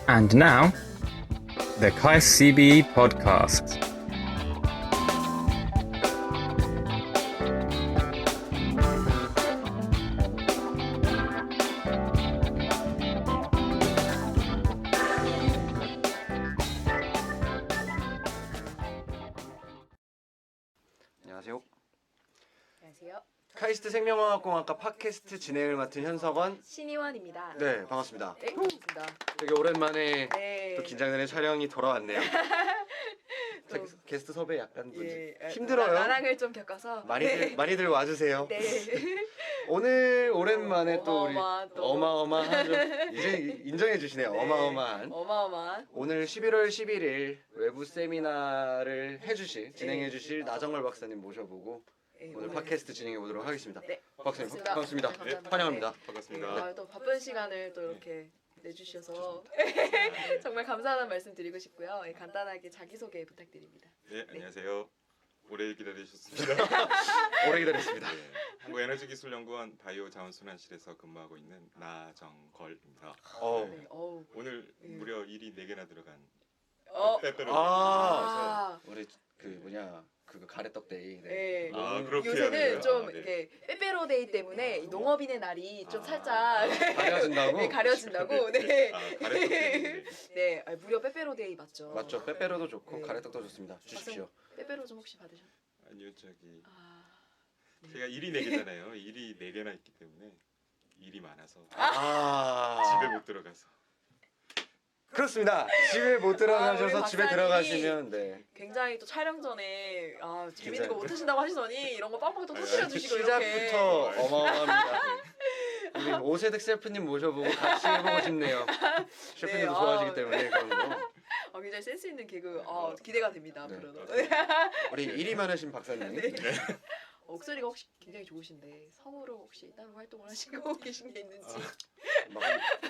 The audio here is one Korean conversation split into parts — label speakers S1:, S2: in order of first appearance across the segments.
S1: And now, the Kai CBE podcast.
S2: 안녕하세요.
S3: 안녕하세요.
S2: 카이스트 생명화학공학과 팟캐스트 진행을 맡은 현석원.
S3: 신희원입니다.
S2: 네, 반갑습니다.
S3: 네, 반갑습니다.
S2: 되게 오랜만에
S3: 네.
S2: 또 긴장되는 촬영이 돌아왔네요.
S3: 또,
S2: 게스트 섭외 약간
S3: 예,
S2: 힘들어요.
S3: 나랑을 좀 겪어서
S2: 많이들 와주세요.
S3: 네.
S2: 오늘 오랜만에 또 우리
S3: 어마어마한
S2: 어마어마하죠. 이제 인정해 주시네요.
S3: 네.
S2: 어마어마한.
S3: 어마어마한.
S2: 오늘 11월 11일 외부 세미나를 진행해 주실 나정걸 박사님 모셔보고
S3: 네,
S2: 오늘 팟캐스트 진행해 보도록 하겠습니다.
S3: 네.
S2: 박사님
S3: 반갑습니다.
S2: 반갑습니다.
S3: 네, 감사합니다.
S2: 환영합니다.
S4: 반갑습니다.
S3: 아, 또 바쁜 시간을 또 이렇게 내주셔서 정말 감사하다는 말씀 드리고 싶고요. 예, 간단하게 자기소개 부탁드립니다.
S4: 네, 안녕하세요. 오래 기다리셨습니다.
S2: 오래 기다렸습니다.
S4: 네, 한국에너지기술연구원 바이오자원순환실에서 근무하고 있는 나정걸입니다.
S3: 네, 어우.
S4: 오늘
S3: 예.
S4: 무려 일이 4개나 들어간
S3: 어.
S4: 빼빼로.
S3: 아.
S2: 우리 그거 가래떡 데이.
S3: 네.
S4: 아, 그렇게
S3: 요새는
S4: 하는구나.
S3: 좀
S4: 아, 네.
S3: 이렇게 빼빼로데이 때문에 이 농업인의 날이 좀
S4: 아.
S3: 살짝
S2: 가려진다고?
S3: 네, 가려진다고. 네.
S4: 아, 가래떡 때문에.
S3: 네, 아, 무려 빼빼로데이 맞죠?
S2: 맞죠. 빼빼로도 좋고
S3: 네.
S2: 가래떡도 좋습니다. 주십시오.
S3: 빼빼로 좀 혹시 받으셨?
S4: 아니요, 저기
S3: 아,
S4: 제가 일이 4개잖아요. 일이 4개나 있기 때문에 일이 많아서 집에 못 들어가서.
S2: 그렇습니다. 집에 못 들어가셔서
S3: 우리
S2: 집에
S3: 박사님이
S2: 들어가시면 네.
S3: 굉장히 또 촬영 전에 아 재밌는
S2: 굉장히-
S3: 거 못 하신다고 하시더니 이런 거 빵빵 또 터뜨려 주시고 이렇게.
S2: 시작부터 어마어마합니다. 우리 오세득 셰프님 모셔보고 같이 해보고 싶네요. 셰프님도
S3: 네,
S2: 좋아하시기 때문에 그런 거.
S3: 굉장히 센스 있는 개그 기대가 됩니다
S2: 네.
S3: 앞으로도.
S2: 우리 일이 많으신 박사님.
S3: 네. 목소리가 혹시 굉장히 좋으신데 성우로 혹시 따로 활동을 하시고 계신 게 있는지.
S2: 막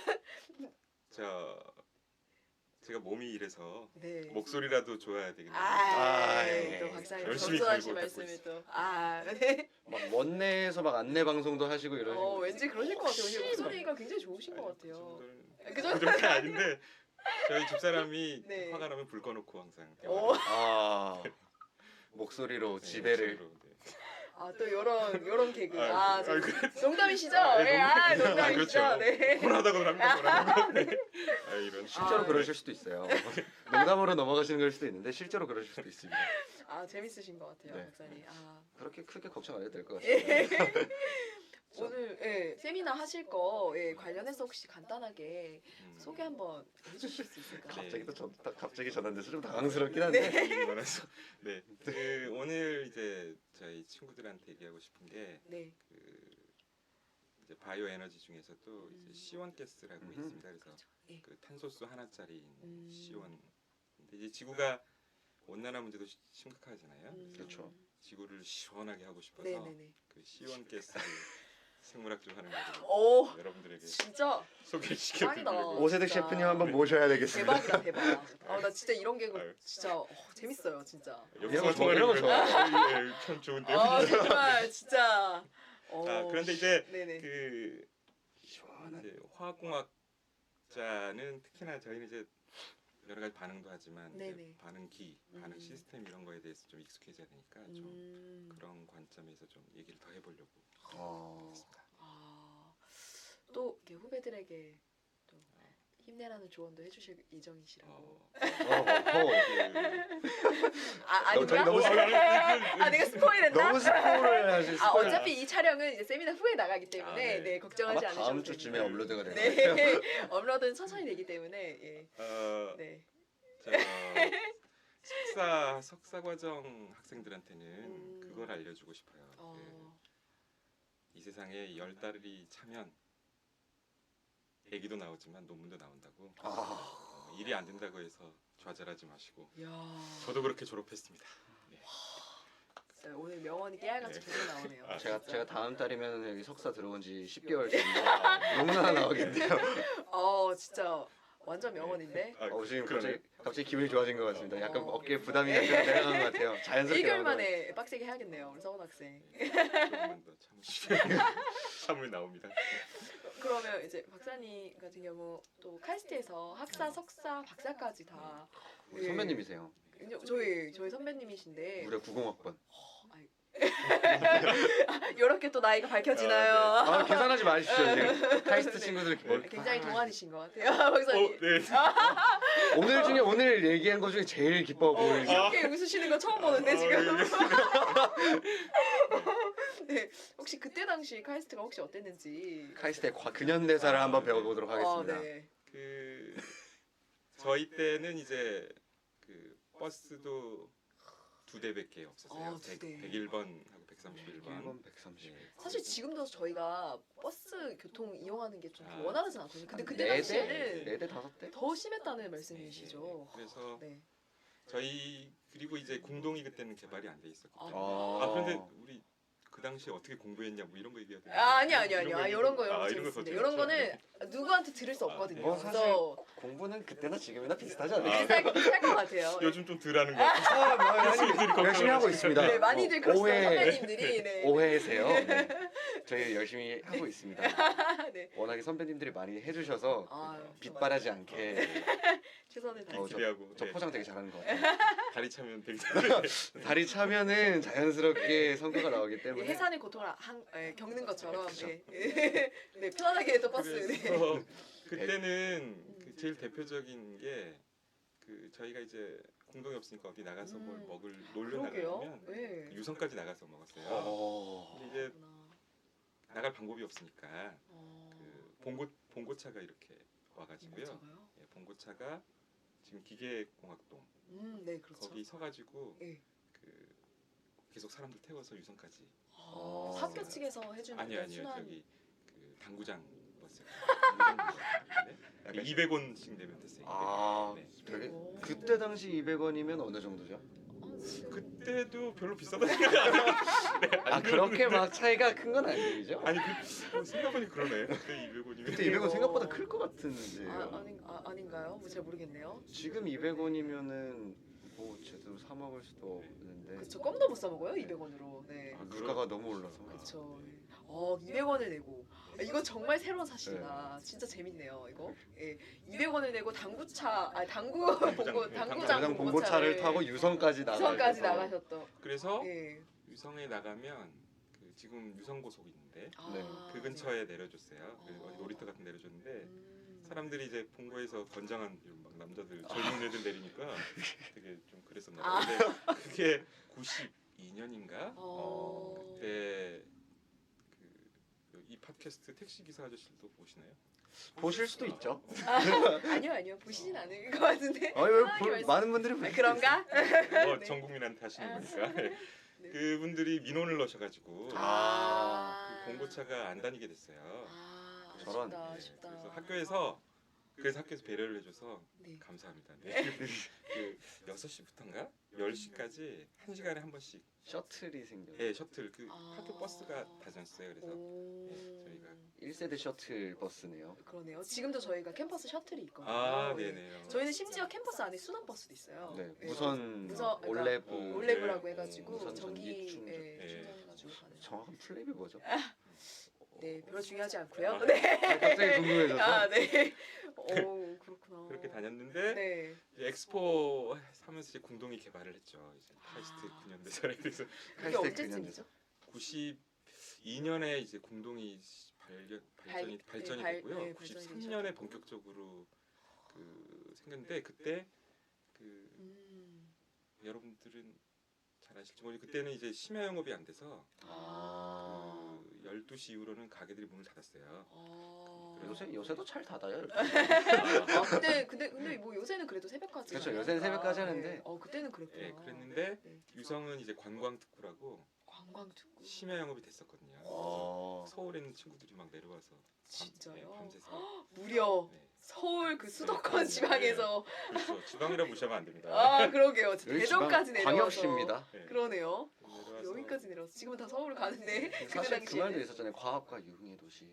S4: 제가 몸이 이래서
S3: 네.
S4: 목소리라도 좋아야 되겠네요.
S2: 예.
S3: 또 박사님
S4: 열심히
S3: 겸손하신
S4: 갈고 닦고
S3: 말씀을 또. 네.
S2: 막 원내에서 막 안내 방송도 하시고 이러시고.
S3: 왠지 그러실 것 같아요. 혹시 목소리가 굉장히 좋으신 것 같아요.
S4: 그
S3: 그
S4: 정도는 아닌데 저희 집사람이
S3: 네.
S4: 화가 나면 불 꺼놓고 항상
S3: 오.
S2: 아 목소리로 지배를.
S4: 목소리로, 네.
S3: 또 요런 개그.
S4: 아,
S3: 저-
S4: 그래.
S3: 농담이시죠?
S4: 아,
S3: 네,
S4: 농담.
S3: 농담이시죠?
S4: 그렇죠.
S3: 네.
S4: 혼하다고 합니다. 네. 이런
S2: 실제로
S3: 아,
S2: 그러실 수도 있어요. 농담으로 넘어가시는 걸 수도 있는데 실제로 그러실 수도 있습니다.
S3: 재밌으신 것 같아요,
S2: 네.
S3: 박사님.
S2: 그렇게 크게 걱정 안 해도 될 것
S3: 예.
S2: 같습니다.
S3: 오늘 세미나 하실 거 관련해서 혹시 간단하게 소개 한번 해주실 수 있을까요?
S4: 네.
S2: 갑자기 전화인데서 좀 당황스럽긴 한데.
S4: 일이 많아서 네. 오늘 이제 저희 친구들한테 얘기하고 싶은 게
S3: 네.
S4: 이제 바이오 에너지 중에서도 이제 C1 가스라고 있습니다. 그래서
S3: 예.
S4: 그 탄소수 하나짜리인
S3: 음.
S4: C1. 근데 이제 지구가 온난화 문제도 심각하잖아요.
S2: 그렇죠.
S4: 지구를 시원하게 하고 싶어서
S3: 네네네.
S4: 그 C1 가스를 생물학적으로 하는 거를
S3: 오,
S4: 여러분들에게
S3: 진짜
S4: 소개시켜
S3: 짱이다.
S4: 드리려고.
S2: 오세득
S3: 진짜.
S2: 셰프님 한번 모셔야 되겠습니다.
S3: 대박이다 대박. 나 진짜 이런 개그
S4: 아유.
S3: 진짜 재밌어요 진짜.
S2: 이런 거 좋아, 이런 거 좋아.
S4: 참 좋은데요.
S3: 정말 진짜.
S4: 그런데 이제
S3: 네네.
S4: 그 이제 화학공학자는 특히나 저희는 이제 여러 가지 반응도 하지만 이제
S3: 네네.
S4: 반응기, 반응 시스템 이런 거에 대해서 좀 익숙해져야 되니까 좀 그런 관점에서 좀 얘기를 더 해보려고 했습니다.
S3: 또 이렇게 후배들에게 또 힘내라는 조언도 해주실 예정이시라고. 아니구나.
S2: 너무
S3: 내가 스포일했나?
S2: 너무 스포를 하실 스포를.
S3: 어차피 이 촬영은 이제 세미나 후에 나가기 때문에
S4: 네.
S3: 걱정하지
S2: 아마
S3: 않으셔도
S2: 다음 주쯤에
S3: 됩니다.
S2: 업로드가 될
S3: 네.
S2: 거예요.
S3: 업로드는 천천히 되기 때문에 예.
S4: 네.
S3: 네.
S4: 저 석사 과정 학생들한테는 그걸 알려주고 싶어요. 이 세상에 10달이 차면 애기도 나오지만 논문도 나온다고. 일이 안 된다고 해서 좌절하지 마시고.
S3: 야.
S4: 저도 그렇게 졸업했습니다. 네.
S3: 진짜 오늘 명언이 깨알같이 계속 나오네요.
S2: 제가 다음 달이면 여기 석사 들어온 지 10개월 전인데 너무나 나오겠네요.
S3: 진짜 완전 명언인데.
S2: 지금
S4: 그러네.
S2: 갑자기 기분이 좋아진 것 같습니다. 약간 어깨에 부담이 약간 내려간 것 같아요. 자연스럽게
S3: 1개월
S2: 나오더라고요.
S3: 만에 빡세게 해야겠네요, 우리 서원 학생.
S4: 조금만 더 참으시면 참을 나옵니다.
S3: 그러면 이제 박사님 같은 경우 또 카이스트에서 학사, 석사, 박사까지 다
S2: 우리 선배님이세요.
S3: 저희 선배님이신데
S2: 무려 90학번.
S3: 이렇게 또 나이가 밝혀지나요?
S2: 아, 계산하지 마십시오. 지금. 카이스트
S3: 네.
S2: 친구들 뭘
S3: 굉장히 동안이신 것 같아요, 박사님.
S4: 네.
S2: 오늘 중에 오늘 얘기한 것 중에 제일 기뻐 보이죠.
S3: 이렇게 웃으시는 거 처음 보는데 지금. 네, 혹시 그때 당시 카이스트가 혹시 어땠는지.
S2: 카이스트의 근현대사를 한번 배워보도록 하겠습니다.
S3: 네.
S4: 그 저희 때는 이제 그 버스도 2대밖에 없었어요.
S3: 2대.
S4: 101번하고 131번.
S2: 1번 130.
S3: 사실 지금도 저희가 버스 교통 이용하는 게 좀
S4: 아.
S3: 원활하진 않거든요. 근데 그때
S2: 네
S3: 당시에는
S2: 4대 5대?
S3: 더 심했다는 말씀이시죠.
S4: 그래서
S3: 네.
S4: 저희 그리고 이제 공동이 그때는 개발이 안 돼 있었거든요.
S2: 아.
S4: 아 그런데 우리 그 당시에 어떻게 공부했냐 뭐 이런 거 얘기해야 되나?
S3: 아니요. 이런 거
S4: 아,
S3: 재밌습니다. 이런 거는 누구한테 들을 수 없거든요.
S2: 뭐 사실
S3: 그래서
S2: 공부는 그때나 지금이나 비슷하지 않아요?
S3: 비쌀 것 같아요.
S4: 요즘 좀 덜하는 것 같아요.
S2: 아, 뭐, 열심히 하고 있습니다.
S3: 네, 많이들 그러시죠
S2: 오해,
S3: 선배님들이. 네.
S2: 오해세요. 네. 저희 열심히 하고 있습니다.
S3: 네.
S2: 워낙에 선배님들이 많이 해주셔서
S3: 아유,
S2: 빗바라지 않게
S3: 최선을 다해.
S4: 기대하고
S2: 저
S4: 네.
S2: 포장 되게 잘하는 것 같아요.
S4: 다리 차면 되게
S2: 다리 차면은 자연스럽게 성과가 나오기
S3: 예,
S2: 때문에
S3: 해산의 고통을 겪는 것처럼 네, 편안하게 또 버스. 네.
S4: 그래서 그때는 그 제일 대표적인 게 그 저희가 이제 공동이 없으니까 어디 나가서 뭘 먹을 놀러
S3: 그러게요.
S4: 나가면
S3: 네.
S4: 유성까지 나가서 먹었어요.
S2: 어...
S4: 근데 이제
S3: 그렇구나.
S4: 나갈 방법이 없으니까
S3: 어,
S4: 그 봉고차가 이렇게 와가지고요.
S3: 봉고차가요?
S4: 예, 봉고차가 지금 기계공학동
S3: 네, 그렇죠.
S4: 거기 서가지고
S3: 예.
S4: 그 계속 사람들 태워서 유성까지.
S3: 학교 측에서 해주는
S4: 아니요
S3: 순환.
S4: 저기 그 당구장 버스. 당구장 버스. 200원씩 내면 됐어요.
S2: 아,
S4: 네.
S2: 되게
S3: 오.
S2: 그때 당시 200원이면 어느 정도죠?
S4: 그때도 별로 비싸다 생각 안 해요.
S2: 아 그렇게 막 차이가 큰 건 아니죠?
S4: 아니 생각보니 그러네. 그때 200원이면.
S2: 그때 200원 생각보다 클 것 같은데요.
S3: 아닌가요? 뭐 잘 모르겠네요.
S2: 지금 200원이면은 뭐 제대로 사 먹을 수도 없는데
S3: 그렇죠. 껌도 못 사 먹어요. 200원으로. 네.
S2: 아, 물가가 너무 올라서.
S3: 그렇죠. 200원을 내고 이거 정말 새로운 사실이다. 진짜 재밌네요. 이거. 예. 200원을 내고 당구장
S2: 당장 봉고차를 타고 유성까지
S3: 유성까지 나가셨던.
S4: 그래서
S3: 예.
S4: 유성에 나가면 그 지금 유성고속 있는데
S2: 네.
S4: 그 근처에 내려줬어요. 그 어디 놀이터 같은 데 내려줬는데 사람들이 이제 본고에서 건장한 이런 막 남자들 젊은 애들 내리니까 되게 좀 그랬었나 봐요. 근데 그게 92년인가? 그때 이 팟캐스트 택시 기사 아저씨도 보시나요?
S2: 보실 수도 있죠.
S3: 아니요. 보시진 않을 것 같은데.
S2: 왜 많은 분들이 보실 수
S3: 그런가?
S4: 뭐 전 국민한테 하시는 거니까.
S3: 네.
S4: 그분들이 민원을 넣으셔가지고 그 봉고차가 안 다니게 됐어요.
S2: 저런.
S3: 아쉽다.
S4: 그래서 학교에서 배려를 해줘서
S3: 네.
S4: 감사합니다. 네. 그 6시부터인가 10시까지 1시간에 한 번씩
S2: 셔틀이 생겨요.
S4: 예 셔틀 그 학교 버스가 다녔어요. 그래서 저희가
S2: 1세대 셔틀 버스네요.
S3: 그러네요. 지금도 저희가 캠퍼스 셔틀이 있거든요.
S4: 네네요.
S3: 저희는 심지어 캠퍼스 안에 순환 버스도 있어요.
S2: 네,
S3: 네.
S2: 무선
S3: 그러니까
S2: 올레브
S3: 올레브라고 해가지고
S2: 무선
S3: 전기
S2: 전기 충전.
S3: 충전해가지고 가는.
S2: 정확한 플레이이 뭐죠?
S3: 네, 별로 중요하지 않고요. 네.
S2: 갑자기 궁금해져서.
S3: 네. 오, 그렇구나.
S4: 그렇게 다녔는데
S3: 네.
S4: 이제 엑스포 하면서 이제 공동이 개발을 했죠. 이제 카이스트 9년대사에 그래서
S3: 그게
S2: 카이스트
S3: 언제쯤이죠?
S4: 92년에 이제 공동이 발전이 됐고요.
S3: 네,
S4: 93년에 본격적으로 그 생겼는데 그때 그 여러분들은 잘 아실지 모르겠는데 그때는 이제 심야 영업이 안 돼서 그 12시 이후로는 가게들이 문을 닫았어요.
S2: 요새도 잘 닫아요.
S3: 근데 뭐 요새는 그래도 새벽까지.
S2: 그렇죠. 요새는 새벽까지 하는데.
S3: 네. 그때는 그랬구나.
S4: 예, 그랬는데
S3: 네.
S4: 유성은 이제 관광 특구라고
S3: 관광 특구.
S4: 심야 영업이 됐었거든요. 서울에 있는 친구들이 막 내려와서
S3: 진짜요?
S4: 밤새서
S3: 무려
S4: 네.
S3: 서울 그 수도권 지방에서
S4: 그렇죠. 지방이라 무시하면 안 됩니다.
S3: 그러게요.
S2: 여기
S3: 대전까지
S2: 지방
S3: 내려와서.
S2: 광역시입니다.
S4: 네.
S3: 그러네요.
S4: 내려와서
S3: 여기까지 내려와서 지금은 다 서울 가는데 그때
S2: 사실 그 말도
S3: 당시에는.
S2: 있었잖아요. 과학과 유흥의 도시.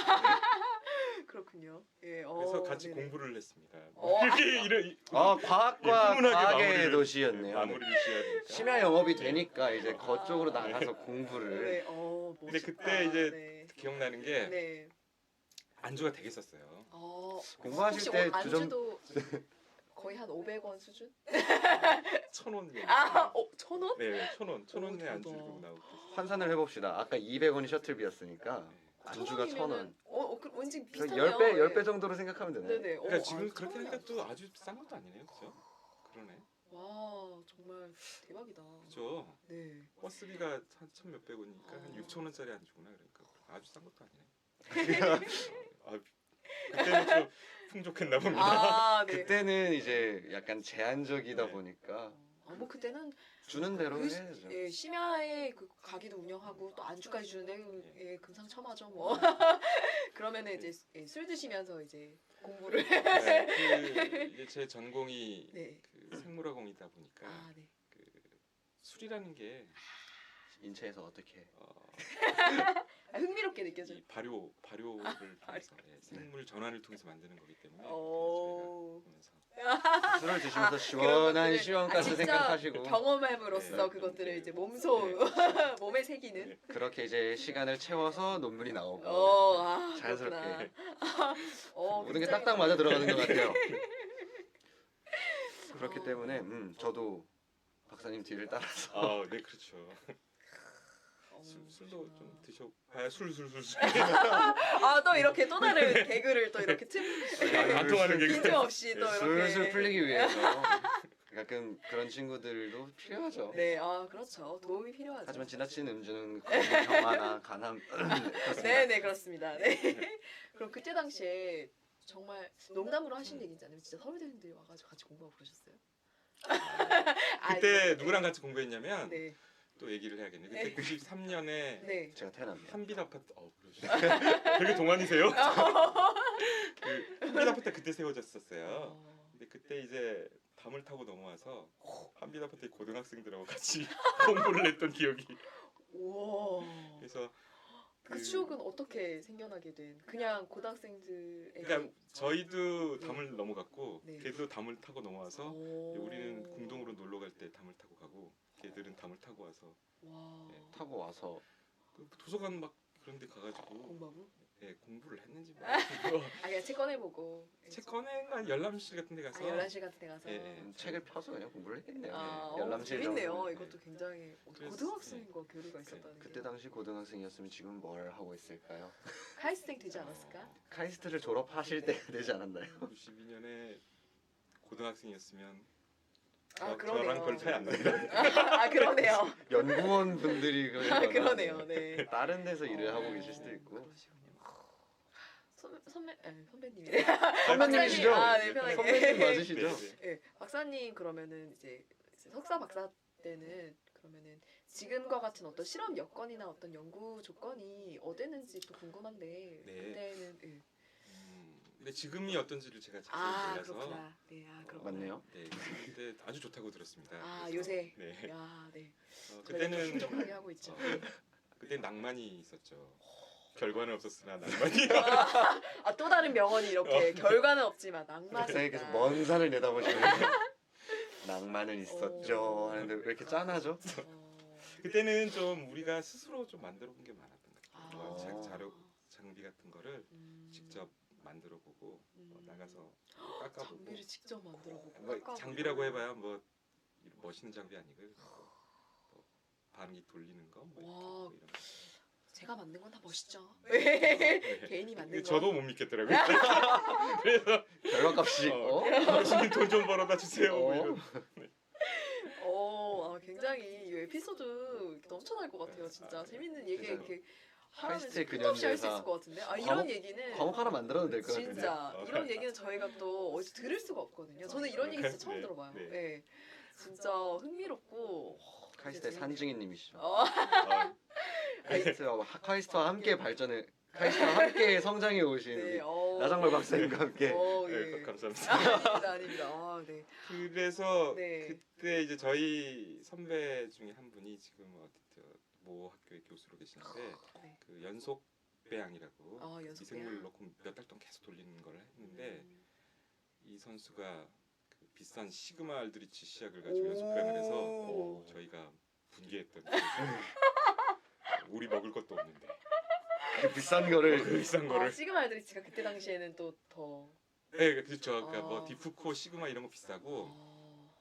S3: 그렇군요. 예.
S4: 그래서 같이
S3: 네네.
S4: 공부를 했습니다.
S3: 어.
S4: 이런
S2: 과학과
S4: 훈훈하게
S2: 과학의
S4: 마무리를-
S2: 도시였네요.
S4: 마무리를 지어야 되니까.
S2: 심야 영업이 되니까 이제 그쪽으로 나가서 공부를.
S3: 네.
S4: 근데
S3: 멋있다.
S4: 그때 이제
S3: 네.
S4: 기억나는 게
S3: 네.
S4: 안주가 되게 썼어요.
S2: 공부하실
S3: 혹시
S2: 때
S3: 안주도 거의 한 500원 수준?
S4: 1,000원.
S3: 1,000원?
S4: 네, 1,000원. 1,000원에
S3: 대박.
S4: 안주를 나오고 그랬어요.
S2: 환산을 해봅시다. 아까 200원이 셔틀비였으니까 안주가 1,000원.
S3: 왠지
S2: 그래서
S3: 비슷하네요.
S2: 10배 정도로 생각하면 되네.
S3: 네네.
S4: 그러니까 지금 그렇게
S3: 1,000원이
S4: 하니까
S3: 아주
S4: 또 아주 싼 것도 아니네요, 그렇죠? 그러네.
S3: 와 정말 대박이다.
S4: 그죠?
S3: 네.
S4: 버스비가 한 1,000몇백 원이니까 한 6,000원짜리 안주구나. 그러니까 아주 싼 것도 아니네. 아, 그때는 좀 풍족했나 봅니다.
S3: 아 네.
S2: 그때는 이제 약간 제한적이다
S4: 네.
S2: 보니까
S3: 뭐 그때는
S2: 주는 대로
S3: 그
S2: 해야죠.
S3: 예, 심야에 그 가게도 운영하고 또 안주까지 주는데 예, 금상첨화죠 뭐. 그러면은 이제 예, 술 드시면서 이제 공부를.
S4: 네, 이제 제 전공이
S3: 네.
S4: 그 생물화공이다 보니까
S3: 아 네.
S4: 그 술이라는 게
S2: 인체에서 어떻게
S3: 흥미롭게 느껴져.
S4: 이 발효를 통해서 예, 생물 전환을 통해서 만드는 거기 때문에
S3: 오.
S4: 저희가 보면서
S2: 술을 드시면서
S3: 그런
S2: 시원한
S3: 것들을
S2: 시원가스
S3: 직접
S2: 생각하시고
S3: 경험함으로써
S4: 네.
S3: 그것들을
S4: 네.
S3: 이제 몸소
S4: 네.
S3: 몸에 새기는.
S4: 네.
S2: 그렇게 이제 시간을 채워서 논문이 나오고
S3: 그렇구나.
S2: 자연스럽게 모든 게
S3: 굉장히
S2: 딱딱 맞아 들어가는 것 같아요. 그렇기 때문에 저도 박사님 뒤를 따라서
S4: 아, 네 그렇죠.
S3: 어,
S4: 술도
S3: 그러시구나.
S4: 좀 드셔. 아, 술.
S3: 또 이렇게 또 다른 개그를 또 이렇게
S4: 안 통하는 게
S3: 빈틈없이 또 이렇게
S2: 술술 풀리기 위해서 가끔 그런 친구들도 필요하죠.
S3: 네, 그렇죠. 도움이 필요하죠.
S2: 하지만 지나친 음주는 경화나 간암 그렇습니다.
S3: 네, 그렇습니다. 네. 그럼 그때 당시에 정말 농담으로 하신 얘기인지 아니면 진짜 서울대생들이 와가지고 같이 공부하고 그러셨어요?
S4: 그때 누구랑 같이 공부했냐면
S3: 네,
S4: 또 얘기를 해야겠네. 그때
S3: 네.
S4: 93년에
S3: 네.
S2: 제가 태어납니다.
S4: 한빛 아파트 되게 동안이세요? 그 한빛 아파트 그때 세워졌었어요. 근데 그때 이제 담을 타고 넘어와서 한빛 아파트 고등학생들하고 같이 공부를 했던 기억이.
S3: 우와.
S4: 그래서
S3: 그 추억은 어떻게 생겨나게 된? 그냥 고등학생들에게.
S4: 그러니까 저희도 담을 넘어갔고
S3: 네.
S4: 걔도 담을 타고 넘어와서
S3: 오.
S4: 우리는 궁동으로 놀러 갈 때 담을 타고 가고 걔들은 담을 타고 와서
S3: 와.
S4: 네.
S2: 타고 와서
S4: 그 도서관 막 그런 데 가가지고
S3: 공부하고?
S4: 예, 공부를 했는지 뭐
S3: 그냥 책 꺼내보고.
S4: 책 꺼내가 열람실 같은 데 가서
S3: 열람실 같은 데 가서.
S4: 예, 예.
S2: 책을 펴서 그냥 공부를 했겠네요.
S3: 아,
S2: 열람실
S3: 재밌네요.
S2: 정도는.
S3: 이것도 굉장히
S4: 그래서-
S3: 고등학생과 교류가 있었다는 게.
S2: 그때 당시 고등학생이었으면 지금 뭘 하고 있을까요?
S3: 카이스생 되지 않았을까?
S2: 카이스트를 졸업하실 때가 되지 않았나요?
S4: 92년에 고등학생이었으면
S3: 그러네요.
S4: 저랑 별 차이 안 납니다.
S3: 그러네요.
S2: 연구원 분들이
S3: 그러네요. 네.
S2: 다른 데서 일을 하고 계실 수도 있고.
S3: 그러시군요. 선배님이네.
S2: 선배님이시죠?
S3: 네, 편하게.
S2: 선배님 맞으시죠?
S4: 네, 네.
S3: 네, 박사님 그러면은 이제 석사 박사 때는 그러면은 지금과 같은 어떤 실험 여건이나 어떤 연구 조건이 어땠는지 또 궁금한데
S4: 네.
S3: 그때는
S4: 근데 지금이 어떤지를 제가 자세히 몰라서
S3: 그렇구나. 네, 그렇구나.
S2: 맞네요.
S4: 네, 그때 아주 좋다고 들었습니다. 그래서-
S3: 요새.
S4: 네.
S3: 야, 네. 저희가 또
S4: 그때는
S3: 풍족하게 하고 있죠.
S4: 그때 낭만이 있었죠. 결과는 없었으나 낭만이.
S3: 또 다른 명언이 이렇게 결과는 없지만 낭만이
S2: 박사님께서
S3: 있다.
S2: 먼 산을 내다보시면 낭만은 있었죠 하는데 왜 이렇게 짠하죠?
S4: 그때는 좀 우리가 스스로 좀 만들어 본 게 많았던 것 같아요.
S3: 아.
S4: 자료 장비 같은 거를 직접 만들어 보고 나가서 깎아보고.
S3: 장비를 직접 만들어보고
S4: 뭐
S3: 깎아보고.
S4: 장비라고 해봐야 뭐 멋있는 장비 아니고 뭐 반기 돌리는 거, 뭐
S3: 와.
S4: 이런 거.
S3: 제가 만든 건 다 멋있죠.
S4: 네.
S3: 개인이 만든 거.
S4: 저도 못 믿겠더라고요. 그래서
S2: 결과값이
S4: 교수님 돈 좀 벌어다 주세요. 뭐 이런.
S3: 굉장히 이 에피소드 넘쳐날 것 같아요. 진짜 재밌는 얘기
S2: 진짜요.
S3: 이렇게
S2: 카이스트의
S3: 하면 끝도 없이 할 수
S2: 근현대사
S3: 있을 것 같은데. 이런
S2: 과목-
S3: 얘기는
S2: 과목 하나 만들어도 될 것 같은데.
S3: 진짜 이런 얘기는 저희가 또 어디서 들을 수가 없거든요. 저는 이런 얘기 진짜 처음
S4: 네,
S3: 들어봐요.
S4: 네.
S3: 네. 진짜 흥미롭고.
S2: 카이스트의 산증인님이시죠.
S4: 아,
S2: 카이스트와 함께 발전을 카이스트와 함께 성장해 오신
S3: 네.
S2: 우리 나장걸 박사님과 함께
S4: 네,
S3: 예.
S4: 감사합니다.
S3: 아닙니다. 네.
S4: 그래서
S3: 네.
S4: 그때 이제 저희 선배 중에 한 분이 지금 모 학교의 교수로 계시는데
S3: 네.
S4: 그 연속 배양이라고
S3: 연속
S4: 미생물
S3: 배양.
S4: 넣고 몇 달 동안 계속 돌리는 걸 했는데 이 선수가 그 비싼 시그마 알드리치 시약을 가지고 연속 배양을 해서 저희가 분개했던 우리 먹을 것도 없는데
S5: 그 비싼 거를
S4: 그 비싼
S3: 아,
S4: 거를.
S3: 시그마 알드리치가 그때 당시에는 또 더.
S4: 네, 그렇죠. 그러니까
S3: 아.
S4: 뭐 디프코, 시그마 이런 거 비싸고
S3: 아,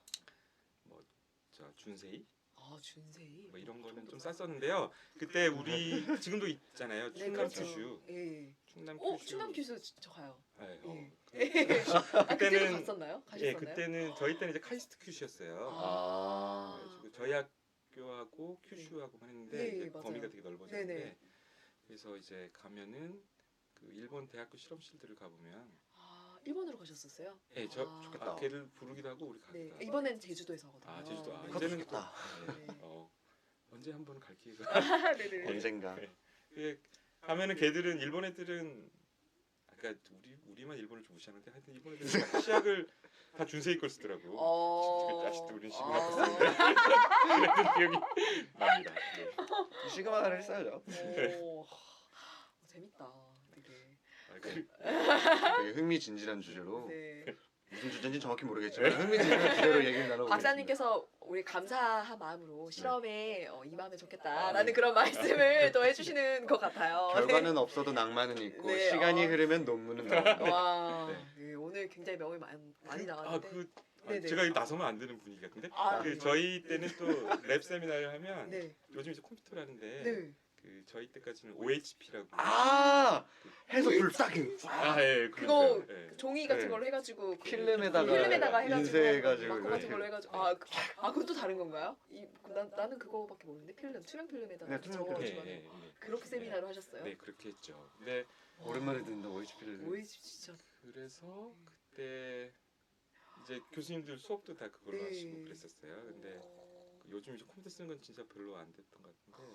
S4: 저 준세이
S3: 준세이.
S4: 뭐 이런 거는 좀 쌌었는데요. 그때 우리 지금도 있잖아요.
S3: 네,
S4: 충남
S3: 그렇죠.
S4: 큐슈.
S3: 예.
S4: 충남
S3: 오,
S4: 큐슈.
S3: 충남 큐슈 저 가요.
S4: 네,
S3: 예. 아, 그때도
S4: 그때는-
S3: 갔었나요?
S4: 예,
S3: 가셨었나요?
S4: 그때는 저희 때는 이제 카이스트 큐슈였어요.
S3: 아.
S4: 그래가지고 저희 학교하고 큐슈하고만 했는데
S3: 예,
S4: 이제
S3: 맞아요.
S4: 범위가 되게 넓어졌는데
S3: 네네.
S4: 그래서 이제 가면은 그 일본 대학교 실험실들을 가보면
S3: 일본으로 가셨었어요?
S4: 예, 저
S3: 아.
S5: 좋겠다.
S4: 걔를 부르기도 하고 우리
S3: 네.
S4: 가기도 하고.
S3: 이번엔 제주도에서 하거든요.
S4: 아 제주도 아
S3: 네.
S5: 그것도
S4: 이제는
S5: 좋겠다.
S4: 또,
S3: 네.
S4: 언제 한번 갈 기회가
S3: 네네.
S5: 언젠가.
S4: 그 가면은 걔들은 일본 애들은 아까 우리만 일본을 좀 무시하는데 하여튼 일본 애들은 다 시약을 다 준세이 걸 쓰더라고. 아직도 우리는 시그마 걸 쓰는데 그랬던 기억이 납니다. 네.
S5: 시그마를 했어야죠.
S3: 오, 재밌다. 되게.
S4: 아, 그,
S5: 되게 흥미진진한 주제로
S3: 네.
S5: 무슨 주제인지 정확히 모르겠지만 흥미진진한 주제로 얘기를 나눠보겠습니다.
S3: 박사님께서 우리 감사한 마음으로 실험에 임하면 좋겠다라는
S5: 아, 네.
S3: 그런 말씀을 또 해주시는 것 같아요.
S5: 결과는 없어도 낭만은 있고
S3: 네,
S5: 시간이 흐르면 논문은
S3: 네.
S5: 나옵니다.
S3: 와,
S5: 네.
S3: 예, 오늘 굉장히 명이 많이 나왔는데. 네네.
S4: 제가 나서면 안 되는 분위기 같은데
S3: 아,
S4: 그 저희 때는 또 랩 세미나를 하면
S3: 네.
S4: 요즘 이제 컴퓨터를 하는데
S3: 네.
S4: 그 저희 때까지는 OHP라고
S5: 아 해서 불딱
S4: 예,
S3: 그거
S4: 예.
S3: 종이 같은
S5: 네.
S3: 걸로 해가지고 그
S5: 필름에다가
S3: 해가지고
S5: 인쇄해가지고
S3: 마커 같은
S5: 네.
S3: 걸로 해가지고 그건 또 다른 건가요? 나는 그거밖에 모르는데 필름 투명 필름에다가
S5: 네, 투명
S3: 적어가지고
S4: 예,
S3: 하는
S4: 예,
S3: 거.
S4: 예.
S3: 그렇게 세미나를 하셨어요?
S4: 네 그렇게 했죠. 근데
S5: 오랜만에 듣는다 OHP를.
S3: 오이지 진짜.
S4: 그래서 그때 이제 교수님들 수업도 다 그걸로
S3: 네.
S4: 하시고 그랬었어요. 근데 그 요즘 이제 컴퓨터 쓰는 건 진짜 별로 안 됐던 것 같은데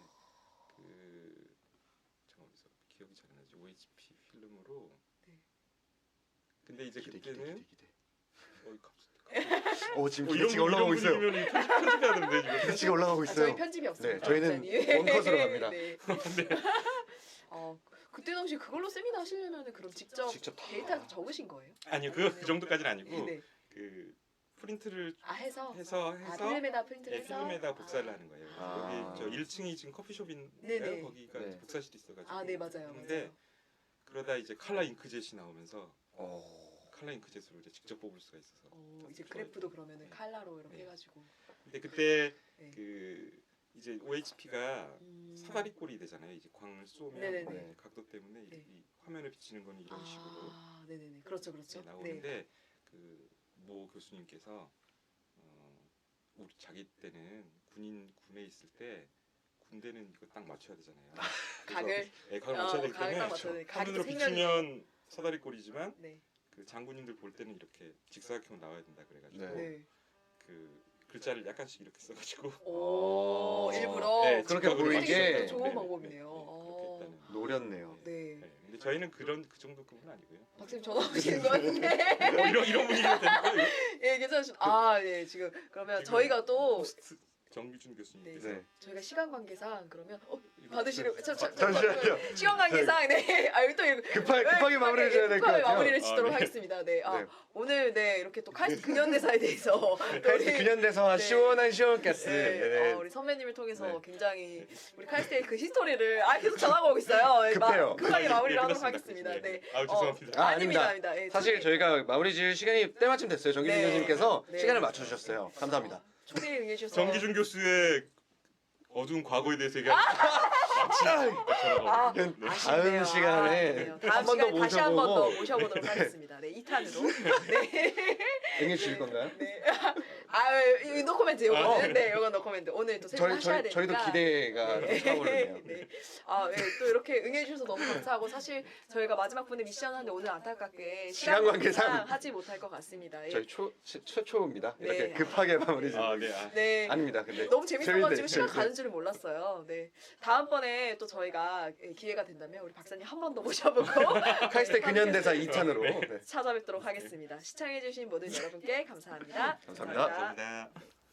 S4: 그 잠깐만요 기억이 잘 안 나지 OHP 필름으로
S3: 네.
S4: 근데 이제
S5: 기대.
S4: 그때는
S5: 지금 기대치가 올라가고 있어요.
S4: 분위기면 편집해야 되는데 지금.
S5: 기대치가 올라가고
S3: 저희
S5: 있어요.
S3: 편집이 없습니다.
S5: 네, 저희는
S3: 박사님.
S5: 원컷으로 갑니다.
S3: 네. 그때 당시 그걸로 세미나 하시려면 그럼 직접
S5: 다
S3: 데이터 적으신 거예요?
S4: 아니요 그 정도까지는 아니고
S3: 네.
S4: 그 프린트를
S3: 해서
S4: 해서
S3: 필름에다 프린트를
S4: 네,
S3: 해서
S4: 필름에다 복사를 하는 거예요.
S5: 아.
S4: 여기 저 1층이 지금 커피숍인데요.
S3: 네네.
S4: 거기가
S5: 네.
S4: 복사실이 있어가지고.
S3: 네 맞아요.
S4: 근데
S3: 맞아요.
S4: 그러다 이제 칼라 잉크젯이 나오면서
S5: 어.
S4: 칼라 잉크젯으로 이제 직접 뽑을 수가 있어서.
S3: 이제 그래프도 그러면은
S4: 네.
S3: 칼라로 이렇게
S4: 네.
S3: 해가지고.
S4: 근데 그때
S3: 네.
S4: 그 이제 OHP가 사다리 꼴이 되잖아요. 이제 광을 쏘면
S3: 네네네.
S4: 네, 각도 때문에
S3: 네.
S4: 이 화면에 비치는 거는 이런 식으로
S3: 네네네. 그렇죠, 그렇죠.
S4: 네, 나오는데 그 모 교수님께서 우리 자기 때는 군에 있을 때 군대는 이거 딱 맞춰야 되잖아요.
S3: 각을.
S4: 네, 각을 맞춰야 되기
S3: 각을 딱
S4: 때문에
S3: 맞춰야 돼. 각이
S4: 화면으로
S3: 생명이.
S4: 비치면 사다리 꼴이지만
S3: 네.
S4: 그 장군님들 볼 때는 이렇게 직사각형 나와야 된다 그래가지고
S5: 네.
S3: 네.
S4: 그 글자를 약간씩 이렇게 써가지고
S3: 오,
S5: 어.
S3: 일부러.
S4: 네,
S5: 그렇게
S4: 직각으로
S5: 보이게.
S4: 해가지고.
S3: 좋은
S4: 네, 네,
S3: 방법이네요.
S4: 그렇게 했다는.
S5: 노렸네요.
S3: 네.
S4: 네, 근데 저희는 그 정도급은 아니고요.
S3: 박사님 전화 오시는 거 같은데.
S4: 이런 분위기가 되니까 이거
S3: 예, 괜찮으시죠? 예, 지금 그러면
S4: 지금
S3: 저희가 또
S4: 호스트 정규준 교수님께서
S5: 네.
S3: 저희가 시간 관계상 그러면
S4: 이거
S3: 받으시려고
S5: 잠시만요.
S3: 시간 관계상 네. 여기 또
S5: 급하게 마무리를 해야 될 것
S3: 급하게
S5: 같아요.
S3: 마무리를 짓도록
S4: 네.
S3: 하겠습니다. 네.
S5: 네.
S3: 오늘 네 이렇게 또 카이스트 근현대사에 대해서 또
S5: 카이스트
S3: 우리-
S5: 근현대사
S3: 네.
S5: 시원한 시원가스.
S3: 네,
S5: 네.
S3: 우리 선배님을 통해서
S5: 네.
S3: 굉장히 우리 카이스트의 그 히스토리를 계속 전하고 오고 있어요. 네,
S5: 급해요.
S3: 급하게 마무리를 하도록
S4: 끝났습니다.
S3: 하겠습니다. 네.
S4: 죄송합니다.
S5: 아닙니다.
S3: 예,
S5: 사실 저희가 마무리 지을 시간이 때마침 됐어요. 정기준
S3: 네.
S5: 교수님께서
S3: 네.
S5: 시간을 맞춰주셨어요. 감사합니다.
S3: 초대에 응해주셔서
S4: 정기준 교수의 어두운 과거에 대해서 얘기하는
S3: 아,
S4: 네.
S3: 아쉽네요.
S5: 다음 시간에
S3: 아쉽네요.
S5: 한 번 더
S3: 다시 한 번 더
S5: 모셔보고
S3: 모셔보도록 하겠습니다. 네, 2탄으로. 네.
S5: 응해주실 건가요?
S3: 네. 이 노코멘트 요거는. 네, 요건 노코멘트. 오늘 또 세미나 하셔야 되니까.
S5: 저희도 기대가
S3: 네.
S5: 차오르네요.
S3: 네. 네, 또 이렇게 응해주셔서 너무 감사하고 사실 저희가 마지막 분에 미션 하는데 오늘 안타깝게
S5: 시간 관계상
S3: 하지 못할 것 같습니다. 예.
S5: 저희 최초입니다.
S3: 네.
S5: 이렇게 급하게 마무리 지을
S3: 네.
S5: 아닙니다. 근데
S3: 너무 재밌어가지고
S5: 재밌네,
S3: 시간
S5: 재밌네.
S3: 가는 줄을 몰랐어요. 네. 다음번에 또 저희가 기회가 된다면 우리 박사님 한 번 더 모셔보고
S5: 카이스트 근현대사 2탄으로 네.
S3: 찾아뵙도록 하겠습니다. 시청해주신 모든 여러분께 감사합니다.
S5: 감사합니다.
S4: 감사합니다.